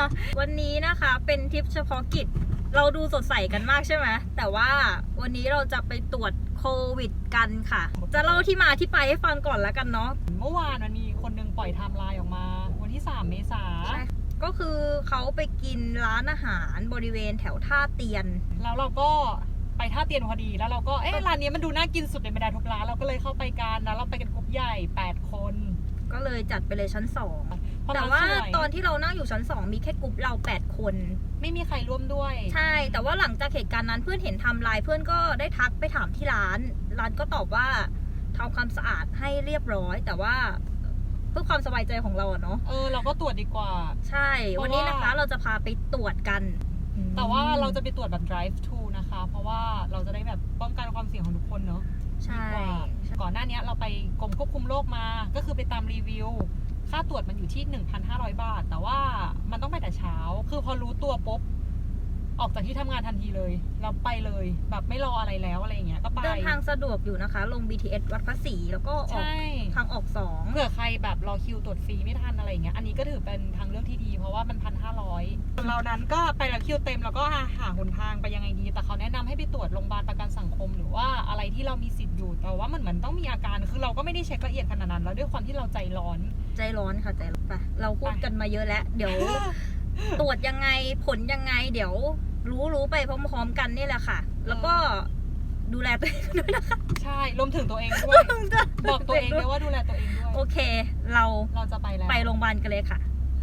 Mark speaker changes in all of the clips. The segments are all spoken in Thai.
Speaker 1: วันนี้นะคะเป็นทริปเฉพาะกิจเราดูสดใสกันมากใช่ไหมแต่ว่าวันนี้เราจะไปตรวจโควิดกันค่ะจะเล่าที่มาที่ไปให้ฟังก่อนแล้วกันเนาะ
Speaker 2: เมื่อวานมันมีคนนึงปล่อยไทม์ไลน์ออกมาวันที่3 เมษายน
Speaker 1: ก็คือเขาไปกินร้านอาหารบริเวณแถวท่าเตียน
Speaker 2: แล้วเราก็ไปท่าเตียนพอดีแล้วเราก็ร้านนี้มันดูน่ากินสุดในบรรดาทุกร้านเราก็เลยเข้าไปกันแล้วเราไปกันกลุ่มใหญ่8 คน
Speaker 1: ก็เลยจัดไปเลยชั้น2แต่ว่าตอนที่เรานั่งอยู่ชั้น2มีแค่กลุ่มเรา8 คน
Speaker 2: ไม่มีใครร่วมด้วย
Speaker 1: ใช่แต่ว่าหลังจากเหตุการณ์นั้นเพื่อนเห็นไทม์ไลน์เพื่อนก็ได้ทักไปถามที่ร้านก็ตอบว่าทำความสะอาดให้เรียบร้อยแต่ว่าเพื่อความสบายใจของเราเนาะ
Speaker 2: เราก็ตรวจดีกว่า
Speaker 1: ใช่วันนี้นะคะเราจะพาไปตรวจกัน
Speaker 2: แต่ว่าเราจะไปตรวจแบบ drive to นะคะเพราะว่าเราจะได้แบบป้องกันความเสี่ยงของทุกคนเนาะ
Speaker 1: ใช่
Speaker 2: ก่อนหน้านี้เราไปกรมควบคุมโรคมาก็คือไปตามรีวิวค่าตรวจมันอยู่ที่ 1,500 บาทแต่ว่ามันต้องไปแต่เช้าคือพอรู้ตัวปุ๊บออกจากที่ทำงานทันทีเลยเราไปเลยแบบไม่รออะไรแล้วอะไรอย่างเงี้ยก็ไป
Speaker 1: เดินทางสะดวกอยู่นะคะลง BTS วัดพระศรีแล้วก็ออกทางออก2
Speaker 2: เผื่อใครแบบรอคิวตรวจฟรีไม่ทันอะไรอย่างเงี้ยอันนี้ก็ถือเป็นทางเลือกที่ดีเพราะว่ามัน 1,500เรานั้นก็ไปแล้วคิวเต็มแล้วก็หาหนทางไปยังไงดีแต่เขาแนะนำให้ไปตรวจโรงพยาบาลประกันสังคมหรือว่าอะไรที่เรามีสิทธิ์อยู่แต่ว่ามันเหมือนต้องมีอาการคือเราก็ไม่ได้เช็คละเอียดขนาดนั้นแล้วด้วยความที่เราใจร้อน
Speaker 1: ค่ะใจร้อนไปเราพูดกันมาเยอะแล้วเดี๋ยว ตรวจยังไงผลยังไงเดี๋ยวรู้ไปพร้อมๆกันนี่แหละค่ะแล้วก็ดูแลตัวเองด้วยนะคะ
Speaker 2: ใช่รวมถึงตัวเองด้วยบอกตัวเองด้วยว่าดูแลตัวเองด้วย
Speaker 1: โอเคเรา
Speaker 2: จะไปแล้ว
Speaker 1: ไปโรงพยาบาลกันเลยค่ะ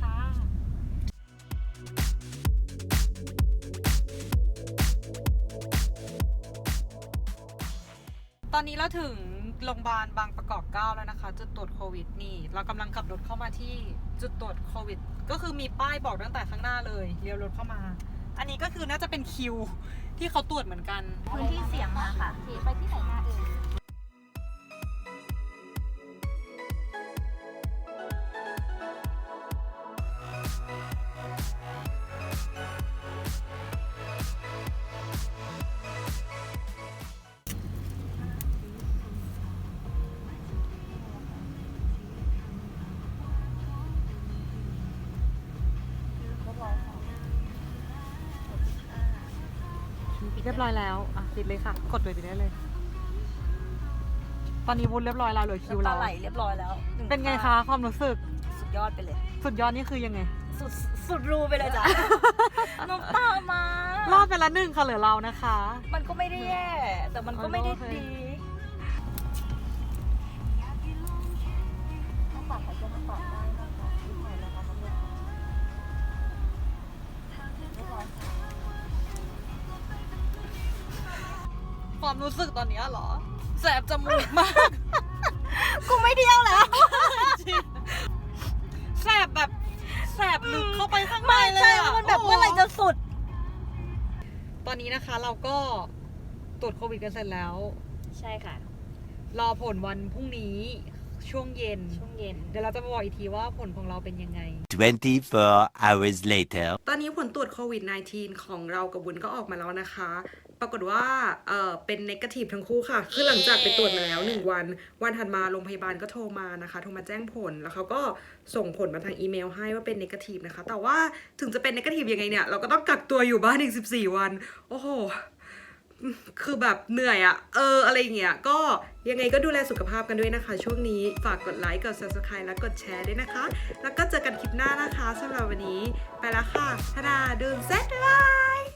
Speaker 2: ตอนนี้เราถึงโรงพยาบาลบางประกอบ9แล้วนะคะจุดตรวจโควิดนี่เรากำลังขับรถเข้ามาที่จุดตรวจโควิดก็คือมีป้ายบอกตั้งแต่ข้างหน้าเลยเลี้ยวรถเข้ามาอันนี้ก็คือน่าจะเป็นคิวที่เขาตรวจเหมือนกัน
Speaker 1: พื้นที่เสี่ยงมาค่ะไปที่ไหนมา
Speaker 2: เรียบร้อยแล้วติดเลยค่ะกดเลยติดได้เลยตอนนี้วุ้นเรียบร้อยแล้วเหลือคิวเรา
Speaker 1: ไหลเรียบร้อยแล้ว
Speaker 2: เป็นไงคะความรู้สึก
Speaker 1: สุดยอดไปเลย
Speaker 2: สุดยอดนี่คือยังไง
Speaker 1: สุดรูไปเลยจ้ะ น้ำตามาร
Speaker 2: อดไปละ1ค่ะเหลือเรานะคะ
Speaker 1: มันก็ไม่ได้แย่แต่มันก็ไม่ได้ดี
Speaker 2: ความรู้สึกตอนนี้เหรอแสบจมูกมาก
Speaker 1: กูไม่เที่ยวแล้ว
Speaker 2: แสบแบบแสบลึกเข้าไปข้างในเลยอ่ะ
Speaker 1: มันแบบเมื่อไหร่จะสุด
Speaker 2: ตอนนี้นะคะเราก็ตรวจโควิดกันเสร็จแล้ว
Speaker 1: ใช่ค่ะ
Speaker 2: รอผลวันพรุ่งนี้ช่วงเย็นเดี๋ยวเราจะมาบอกอีกทีว่าผลของเราเป็นยังไง
Speaker 3: 24 hours later
Speaker 2: ตอนนี้ผลตรวจโควิด -19 ของเรากับวุ้นก็ออกมาแล้วนะคะปรากฏว่าเป็นเนกาทีฟทั้งคู่ค่ะคือหลังจากไปตรวจมาแล้ว1 วันถัดมาโรงพยาบาลก็โทรมานะคะโทรมาแจ้งผลแล้วเขาก็ส่งผลมาทางอีเมลให้ว่าเป็นเนกาทีฟนะคะแต่ว่าถึงจะเป็นเนกาทีฟยังไงเนี่ยเราก็ต้องกักตัวอยู่บ้านอีก14 วันโอ้โหคือแบบเหนื่อยอะอะไรเงี้ยก็ยังไงก็ดูแลสุขภาพกันด้วยนะคะช่วงนี้ฝากกดไลค์กด subscribe และกดแชร์ด้วยนะคะแล้วก็เจอกันคลิปหน้านะคะสำหรับวันนี้ไปแล้วค่ะธนาดูนเซ็ตบ๊ายบาย